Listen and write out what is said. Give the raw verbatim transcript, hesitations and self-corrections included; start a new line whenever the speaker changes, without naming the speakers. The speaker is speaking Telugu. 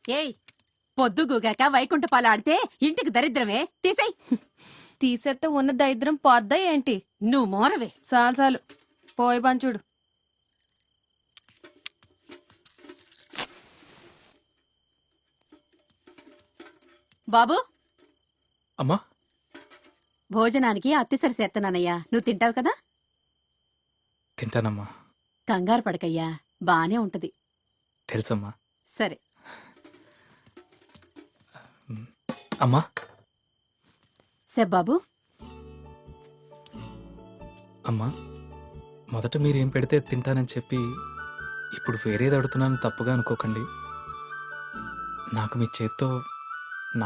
ఏయ్ పొద్దుగూగాక వైకుంఠపాలు ఆడితే ఇంటికి దరిద్రమే తీసేయ్.
తీసేస్తే ఉన్న దరిద్రం పోద్దా ఏంటి?
నువ్వు మోరవే.
చాలు చాలు పోయి పంచుడు.
బాబు
అమ్మా,
భోజనానికి అత్తిసరి చేత్తనానయ్యా, నువ్వు తింటావు కదా.
తింటానమ్మా.
కంగారు పడకయ్యా, బానే ఉంటది.
తెలుసమ్మా.
సరే
అమ్మా.
బాబు.
అమ్మా, మొదట మీరేం పెడితే తింటానని చెప్పి ఇప్పుడు వేరేది అడుగుతున్నాను, తప్పుగా అనుకోకండి. నాకు మీ చేత్తో